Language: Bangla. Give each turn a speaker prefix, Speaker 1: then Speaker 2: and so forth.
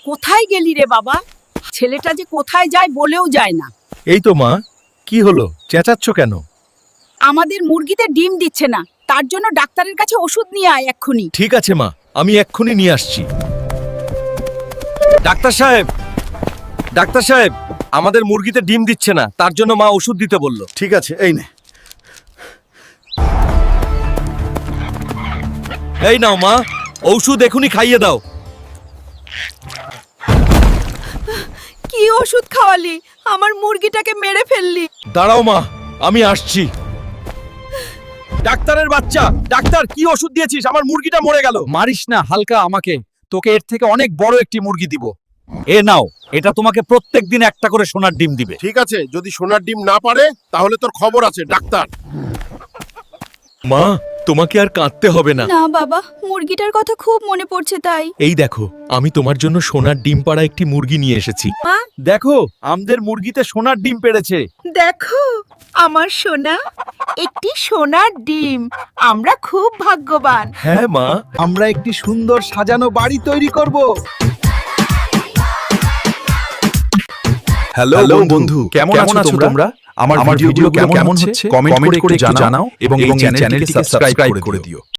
Speaker 1: কোথায় গেলি রে বাবা? ছেলেটা যে কোথায় যায় বলেও যায় না।
Speaker 2: এই তো মা, কি হলো, চেঁচাচ্ছ কেন?
Speaker 1: আমাদের মুরগিতে ডিম দিচ্ছে না, তার জন্য ডাক্তারের কাছে ওষুধ নিয়ে আয় এক্ষুনি।
Speaker 2: ঠিক আছে মা, আমি এক্ষুনি নিয়ে আসছি। ডাক্তার সাহেব, ডাক্তার সাহেব, আমাদের মুরগিতে ডিম দিচ্ছে না, তার জন্য মা ওষুধ দিতে বলল।
Speaker 3: ঠিক আছে, এই নে।
Speaker 2: এই নাও মা, ঔষধ এখনই খাইয়ে দাও।
Speaker 1: কি ওষুধ খাওয়ালি? আমার মুরগিটাকে মেরে ফেললি।
Speaker 2: দাঁড়াও মা, আমি আসছি। ডাক্তারের বাচ্চা, ডাক্তার কি ওষুধ দিয়েছিস? আমার মুরগিটা মরে গেল।
Speaker 4: মারিস না হালকা আমাকে, তোকে এর থেকে অনেক বড় একটি মুরগি দিব। এ নাও, এটা তোমাকে প্রত্যেকদিন একটা করে সোনার ডিম দিবে।
Speaker 3: ঠিক আছে, যদি সোনার ডিম না পারে তাহলে তোর খবর আছে ডাক্তার।
Speaker 2: মা, তোমাকে আর কাঁদতে হবে না।
Speaker 1: না বাবা, মুরগিটার কথা খুব মনে পড়ছে তাই।
Speaker 2: এই দেখো, আমি তোমার জন্য সোনার ডিম পাড়া একটি মুরগি নিয়ে এসেছি।
Speaker 4: দেখো, আমাদের মুরগিতে সোনার ডিম পেড়েছে।
Speaker 1: দেখো আমার সোনা, একটি সোনার ডিম। আমরা খুব ভাগ্যবান।
Speaker 2: হ্যাঁ মা,
Speaker 4: আমরা একটি সুন্দর সাজানো বাড়ি তৈরি করব।
Speaker 5: হ্যালো বন্ধু, কেমন আছো তোমরা? আমার ভিডিওগুলো কেমন হচ্ছে কমেন্ট করে একটু জানাও এবং এই চ্যানেলটিকে সাবস্ক্রাইব করে দিও।